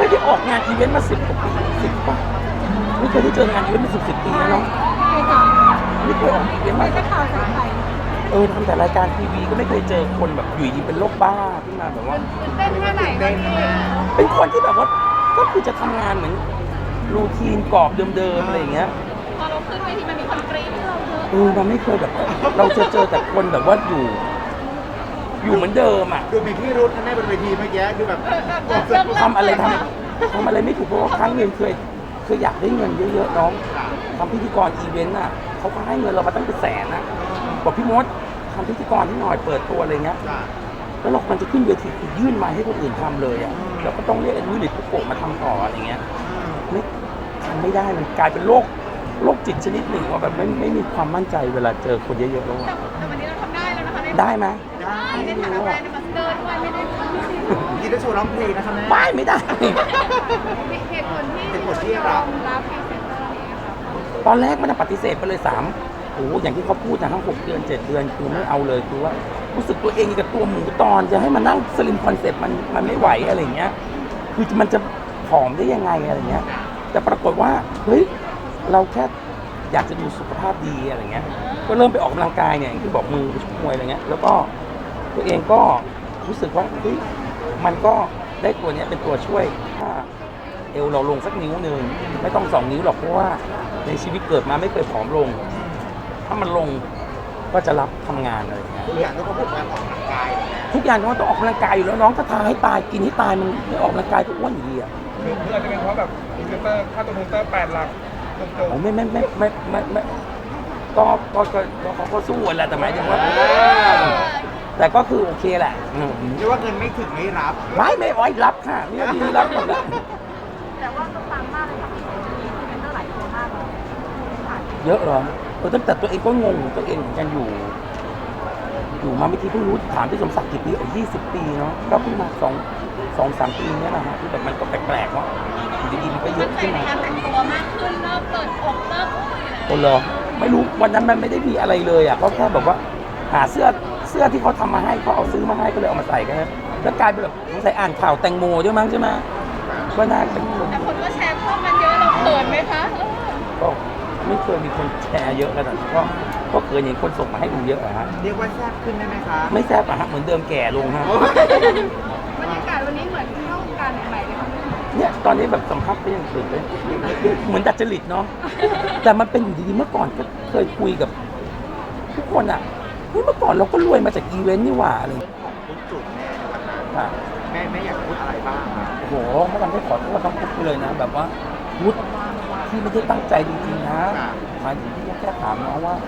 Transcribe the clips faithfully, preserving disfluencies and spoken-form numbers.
ได้ออกงานอีเวนต์มาสิบกว่าปีสิบป่ะไม่เคยได้เจองานอีเวนต์มาสิบสิบปีแล้วเนาะไม่เคยออกอีเวนต์มาจะข่าวสายไข่เออทำแต่รายการทีวีก็ไม่เคยเจอคนแบบอยู่ดีเป็นโรคบ้าขึ้นมาแบบว่าเต้นแค่ไหนเต้นเป็นคนที่แบบว่าก็คือจะทำงานเหมือนรูทีนกรอบเดิมๆอะไรอย่างเงี้ยพอเราขึ้นเวทีมันมีคนกรี๊ดเราเยอะเออมันไม่เคยแบบเราจะเจอแต่คนแบบว่าอยู่อยู่เหมือนเดิมอ่ะดูมีพี่รุ้นะแม่บนเวทีเมื่อกี้ดูแบบทำอะไรทำทำอะไรไม่ถูกเพราะว่าครั้งหนึ่งเคยเคยอยากได้เงินเยอะๆน้องทำพิธีกรอีเวนต์อ่ะเขาก็ให้เงินเรามาตั้งเป็นแสนนะบอกพี่มดทำพิธีกรที่หน่อยเปิดตัวอะไรเงี้ยแล้วเรามันจะขึ้นเวทีคือยื่นมาให้คนอื่นทำเลยอ่ะแล้วก็ต้องเรียกไอ้นุ้ยหรือปุ๊กโกะมาทำต่ออะไรเงี้ยไม่ทำไม่ได้มันกลายเป็นโรคโรคจิตชนิดหนึ่งว่าแบบไม่ไม่มีความมั่นใจเวลาเจอคนเยอะๆแล้วแต่วันนี้เราทำได้แล้วนะคะได้ไหมได้ในฐานะแบรนด์มาสเตอร์ด้วยไม่ได้กินได้โชว์ร้องเพลงนะคะแม่ไม่ไม่ได้เหตุผลที่เหตุผลที่รับรับพรีเซนเตอร์นี้ค่ะตอนแรกมันปฏิเสธไปเลยสามโอ้อย่างที่เขาพูดนะทั้งหกเดือนเจ็ดเดือนคือไม่เอาเลยคือว่ารู้สึกตัวเองกับตัวหมูตอนจะให้มานั่งสลิมคอนเซ็ปต์มันมันไม่ไหวอะไรเงี้ยคือมันจะผอมได้ยังไงอะไรเงี้ยแต่ปรากฏว่าเฮ้ยเราแค่อยากจะดูสุขภาพดีอะไรเงี้ยก็เริ่มไปออกกำลังกายเนี่ยที่บอกมือไปชกมวยอะไรเงี้ยแล้วก็ตัวเองก็รู้สึกว่าเฮ้ยมันก็ได้ตัวนี้เป็นตัวช่วยถ้าเอวเราลงสักนิ้วนึงไม่ต้องสองนิ้วหรอกเพราะว่าในชีวิตเกิดมาไม่เคยผอมลงถ้ามันลงก็จะรับทำงานอะไรอย่างเงี้ยทุกอย่างก็ต้องการออกกำลังกายทุกอย่างต้องต้องออกกำลังกายอยู่แล้วน้องถ้าทานให้ตายกินให้ตายมันไม่ออกกำลังกายก็อ้วนอยู่ดีอ่ะคืออาจจะเป็นเพราะแบบพรีเซนเตอร์ค่าตัวพรีเซนเตอร์แปดหลักตรงๆไม่ไม่ไม่ไม่ไม่ไม่ก็ก็ก็เขาก็สู้แหละแต่หมายถึงว่าแต่ก็คือโอเคแหละเรียกว่าเงินไม่ถึงไม่รับไม่ไม่ไว้รับค่ะนี่ดีรับหมดแหละแต่ว่าก็ปังมากเลยค่ะพรีเซนเตอร์หลายตัวมากเลยเยอะเหรอเออตั้งแต่ตัวเองก็งงตัวเองเหมือนกันอยู่อยู่มาไม่ทีเพิ่งรู้ถามพี่สมศักดิ์กี่ปีอ๋อยี่สิบปีเนาะก็เพิ่งมาสองสองสามปีเนี้ยนะฮะที่แบบมันก็แปลกๆว่าอยู่ดีๆมันก็เยอะขึ้นมาการแต่งตัวมากขึ้นเริ่มเปิดอกเริ่มอะไรคนเหรอไม่รู้วันนั้นมันไม่ได้มีอะไรเลยอ่ะเขาแค่แบบว่าหาเสื้อเสื้อที่เขาทำมาให้เขาเอาซื้อมาให้ก็เลยเอามาใส่กันแล้วกลายเป็นแบบใส่อ่านข่าวแตงโมด้วยมั้งใช่ไหมก็น่าเป็นคนแต่คนก็แชร์ข้อมันเยอะเราเขินไหมคะก็ไม่เคยมีคนแชร์เยอะขนาดนั้นก็ก็เคยเห็นคนส่งมาให้ดูเยอะอะฮะเรียกว่าแซ่บขึ้นได้ไหมคะไม่แซ่บอะฮะเหมือนเดิมแก่ลงฮะบรรยากาศวันนี้เหมือนเข้าการใหม่ๆเลยค่ะเนี่ยตอนนี้แบบสัมภาษณ์ก็ยังตื่นเลยเหมือนดัดจริตเนาะแต่มันเป็นอยู่ดีๆเมื่อก่อนก็เคยคุยกับทุกคนอะเฮ้ยเมื่อก่อนเราก็รวยมาจากอีเวนต์นี่หว่าอะไรทุกจุดค่ะแม่แม่อยากพูดอะไรบ้างโอ้โหไม่ทำให้ขอโทษต้องพูดไปเลยนะแบบว่าพูดที่ไม่ได้ตั้งใจจริงๆนะหมายถึงที่แค่ถามน้องว่า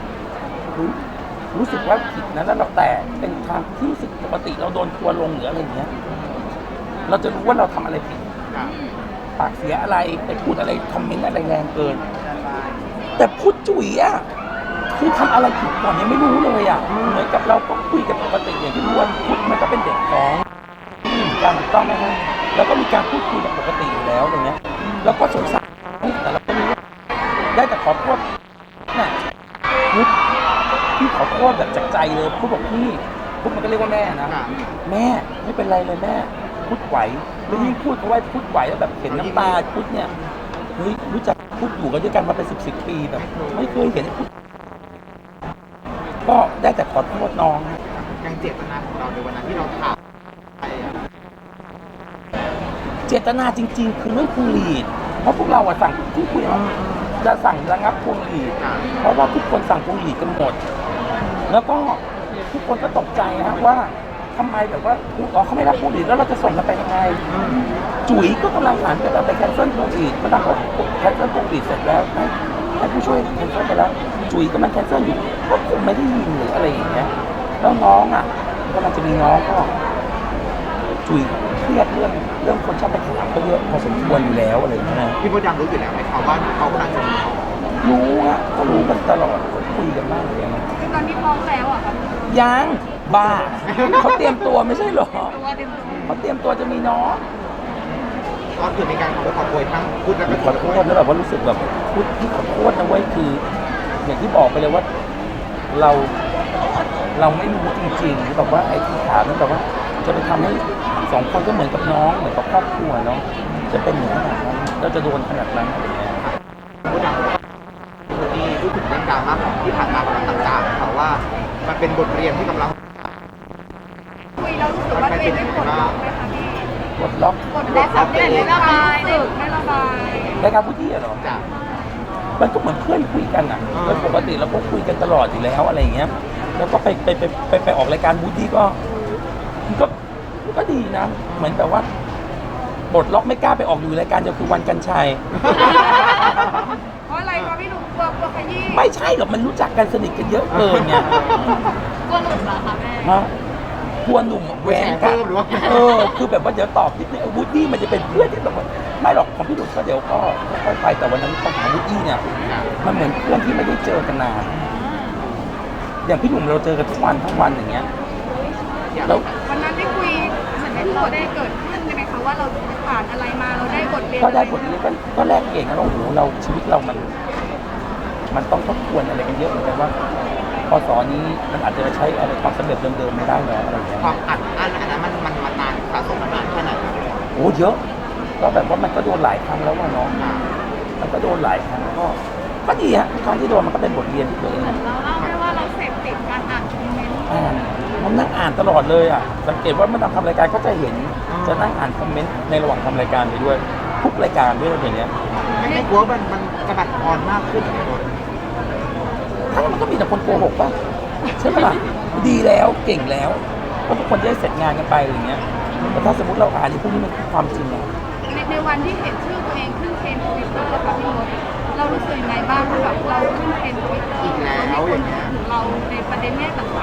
รู้สึกว่าผิดนะแล้วเราแต่เป็นทางที่รู้สึกปกติเราโดนทัวร์ลงหรืออะไรอย่างเงี้ยเราจะรู้ว่าเราทำอะไรผิดปากเสียอะไรไปพูดอะไรคอมเมนต์อะไรแรงเกินแต่พูดจุ๋ยอ่ะคือทำอะไรผิดก่อนยังไม่รู้เลยอ่ะเหมือนกับเราก็คุยกับปกติอย่างที่รู้ว่าพูดมันก็เป็นเด็กของการถูกต้องไหมฮะแล้วก็มีการพูดคุยกับปกติอยู่แล้วอย่างเงี้ยแล้วก็สงสารแต่เราก็รู้ได้แต่ขอโทษน่ะพุทธพี่ขอโทษแบบจากใจเลยพุทธบอกพี่พุทธมันก็เรียกว่าแม่นะแม่ไม่เป็นไรเลยแม่พุทธไหวแล้วยิ่งพูดเขาไว้พุทธไหวแล้วแบบเห็นน้ำตาพุทธเนี่ยเฮ้ยรู้จักพุทธอยู่กันด้วยกันมาเป็นสิบสิบปีแบบไม่เคยเห็นพุทธก็ได้แต่ขอโทษน้องยังเจตนาของเราในวันนั้นที่เราถามเจตนาจริงๆคือเรื่องพวงหลีดเพราะพวกเราอะสั่งที่คุยจะสั่งระงับพวงหลีดเพราะว่าทุกคนสั่งพวงหลีดกันหมดแล้วก็ทุกคนก็ตกใจฮะว่าทำไมแบบว่าอ๋อเขาไม่รับพวงหลีดแล้วเราจะส่งกันไปยังไงจุ๋ยก็กำลังหันไปแบบไปแคนเซิลพวงหลีดมาตั้งบอกแคนเซิลพวงหลีดเสร็จแล้วให้ผู้ช่วยแคนเซิลไปแล้วจุ๋ยก็มันแคนเซิลอยู่ก็คงไม่ได้ยินหรืออะไรอย่างเงี้ยแล้วน้องอ่ะก็มันจะมีน้องก็จุ๋ยเครียดเรื่องเรื่องคนชอบไปถามเขาเยอะพอสมควรอยู่แล้วอะไรอย่างเงี้ยพี่มดดำรู้อยู่แล้วไหมครับว่าเขากำลังจะมีรู้อ่ะก็รู้กันตลอดคุยกันมากเลยนะคือตอนนี้ท้องแล้วอ่ะครับยังบ้าเขาเตรียมตัวไม่ใช่หรอเขาเตรียมตัวจะมีน้องก็คือในการขอโทษขอโพยทั้งพูดแล้วก็ขอโทษแล้วแบบว่ารู้สึกแบบพูดที่ขอโทษนะเว้ยคืออย่างที่บอกไปเลยว่าเราเราไม่รู้จริงๆแบบว่าไอ้ที่ถามนั่นแบบว่าจะไปทำให้สองคนก็เหมือนกับน้องเหมือนกับครอบครัวเนาะจะเป็นอย่างขนาดนั้นเราจะโดนขนาดนั้นอะไรเงี้ยผู้ดังคนที่พูดถึงเรื่องดราม่าของที่ผ่านมากับต่างๆเขาว่ามันเป็นบทเรียนที่กำลังคุยแล้วรู้สึกว่าตัวเองไม่ปลดล็อกไหมคะพี่กดล็อกปลดล็อกสำเร็จไม่ระบายสึกไม่ระบายรายการพูดที่อะเหรอจะมันก็เหมือนเพื่อนคุยกันอ่ะอ่าโดยปกติเราก็คุยกันตลอดอยู่แล้วอะไรอย่างเงี้ย แล้วก็ไปไปไปไปไปออกรายการบูดี้ก็มันก็มันก็ดีนะ เหมือนแบบว่าบทล็อกไม่กล้าไปออกอยู่รายการเดียวคือวันกันชัยเพราะอะไรคะพี่หนุ่มกลัวกลัวขยี้ไม่ใช่หรอกมันรู้จักกันสนิทกันเยอะเกินไงกลัวหลุดเหรอคะแม่ฮะกลัวหนุ่มแหวแชนร์กัเพิ่นมหรือว่าเออคือแบบว่าเดี๋ยวตอบนิดนึงวูดดี้มันจะเป็นเพื่อนที่แบบว่าไม่หรอกของพี่หนุ่มก็เดี๋ยวก็ค่อยๆไปแต่วันนั้นปัญหาวูดดี้เนี่ยมันเหมือนเพื่อนที่ไม่ได้เจอกันนานอย่างพี่หนุ่มเราเจอกันทุกวันทั้งวันอย่างเงี้ยแล้ววันนั้นได้คุยเหมือนได้เราได้เกิดขึ้นใช่ไหมคะว่าเราผ่านอะไรมาเราได้บทเรียนก็ได้บทเรียนก็ก็แลกเปลี่ยนกันว่าโอ้โหเราชีวิตเรามัน มันต้องทบทวนอะไรกันเยอะเหมือนกันว่าพศนี้มันอาจจะใช้อะไรความสำเร็จเดิมๆไม่ได้แล้วอะไรอย่างเงี้ยความอัดอั้นอันนั้นมันมันมันนานสะสมมานานแค่ไหนครับโอ้เยอะ ก็แบบว่ามันก็โดนหลายครั้งแล้วว่าน้องอ่ามันก็โดนหลายครั้งก็ก็ดีฮะครั้งที่โดนมันก็เป็นบทเรียนที่ตัวเองเราเล่าได้ว่าเราเสพติดการอ่านคอมเมนต์อ่านมันนั่งอ่านตลอดเลยอ่ะสังเกตว่ามันทำรายการก็จะเห็นจะนั่งอ่านคอมเมนต์ในระหว่างทำรายการไปด้วยทุกรายการด้วยอย่างเงี้ยไม่ไม่กลัวมันมันกระบัดอ่อนมากขึ้นเหรอคนถ้ามันก็มีแต่คนโกหกป่ะใช่ไหมล่ะดีแล้วเก่งแล้วก็ทุกคนจะได้เสร็จงานกันไปอะไรเงี้ยแต่ถ้าสมมติเราอ่านในพวกนี้มันคือความจริงอะในในวันที่เห็นชื่อตัวเองขึ้นเทรนด์ทวิตเตอร์ค่ะพี่มดเรารู้สึกยังไงบ้างที่แบบเราขึ้นเทรนด์ทวิตเตอร์อีกแล้วอย่างเงี้ยถึงเราในประเด็นแง่ต่าง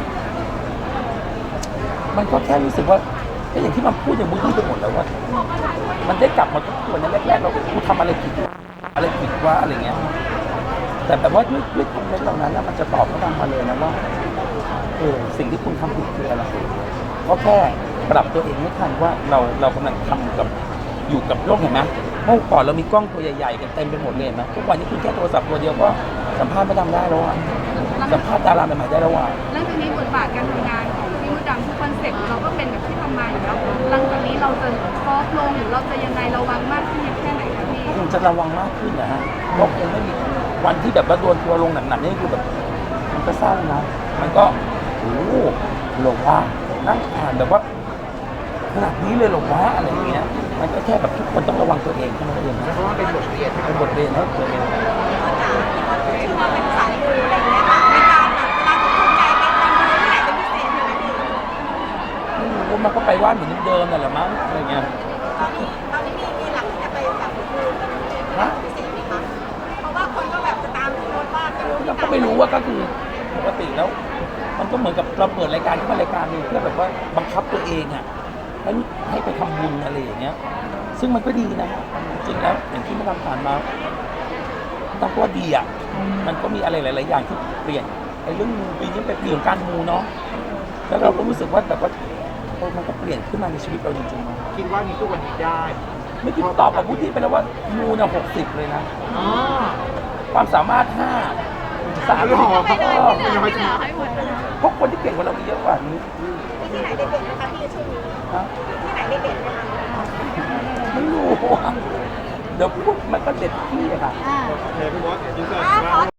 มันก็แค่รู้สึกว่าก็อย่างที่มันพูดอย่างบูดี้ไปหมดแล้วว่า มันได้กลับมาทุกคนในแรกๆเรากูทำอะไรผิดอะไรผิดว่าอะไรเงี้ย แต่แบบว่าด้วยด้วยคอมเมนต์เหล่านั้นนะมันจะตอบเข้ามาเลยนะว่าเออสิ่งที่คุณทำผิดคืออะไรก็แค่ปรับตัวเองไม่ทันว่าเราเรากำลังทำกับอยู่กับโลกเห็นไหมเมื่อก่อนเรามีกล้องตัวใหญ่ๆกันเต็มไปหมดเลยเห็นไหมทุกวันนี้คุณแค่โทรศัพท์ตัวเดียวก็สัมภาษณ์ไม่ทำได้แล้วอ่ะสัมภาษณ์ดาราใหม่ๆได้แล้วอ่ะๆแล้วทีนี้บทบาทการทำงานของพี่มดดำทุกคอนเซ็ปต์เราก็เป็นแบบที่ทำมาอยู่แล้วหลังจากนี้เราจะซอฟต์ลงหรือเราจะยังไงระวังมากขึ้นแค่ไหนคะพี่คงจะระวังมากขึ้นนะฮะก็คงไม่มีวันที่แบบว่าโดนทัวร์ลงหนักๆนี่คือแบบมันก็เศร้านะ มันก็โอ้โหหลงว่านั่งอ่านแบบว่าขนาดนี้เลยหลงว่าอะไรอย่างเงี้ย มันก็แค่แบบทุกคนต้องระวังตัวเองเท่านั้นเองนะเพราะว่าเป็นบทเรียนที่เป็นบทเรียนให้ตัวเองที่ว่าเป็นสายมูอะไรเงี้ยค่ะในการแบบเวลาถูกใจไปทำบุญที่ไหนเป็นพิเศษใช่ไหมพี่ไม่รู้มันก็ไปว่าเหมือนเดิมนั่นแหละมั้งอะไรเงี้ยตอนนี้ตอนนี้มีมีหลักที่จะไปแบบดูเป็นพิเศษไหมคะเพราะว่าคนก็แบบจะตามโพสต์ว่าจะรู้ที่เราก็ไม่รู้ว่าก็คือปกติแล้ว มันก็เหมือนกับเราเปิดรายการขึ้นมารายการหนึงเพื่อแบบว่าบังคับตัวเองอ่ะให้ให้ไปทำบุญอะไรอย่างเงี้ย ซึ่งมันก็ดีนะจริงๆแล้วอย่างที่มันทำผ่านมาต้องว่าดีอ่ะมันก็มีอะไรหลายๆอย่างที่เปลี่ยนไอ้เรื่องมูปีนี้เป็นปีของการมูเนาะแล้วเราก็รู้สึกว่าแบบว่าเออมันก็เปลี่ยนขึ้นมาในชีวิตเราจริงๆนะคิดว่ามีทุกวันนี้ได้ไม่คิดตอบกับผู้ที่ไปแล้วว่ามูเนี่ยหกสิบเลยนะอ๋อความสามารถห้าสามหล่อไปเลยที่เหลือที่เหลือให้หมดเลยเพราะคนที่เก่งกว่าเรามีเยอะกว่านี้ที่ไหนเด็ดๆนะคะพี่ช่วงนี้นะที่ไหนเด็ดๆนะคะไม่รู้อะเดี๋ยวพูดมันก็เด็ดที่อะค่ะอ่าโอเคพี่มดยินดีอ่าขอ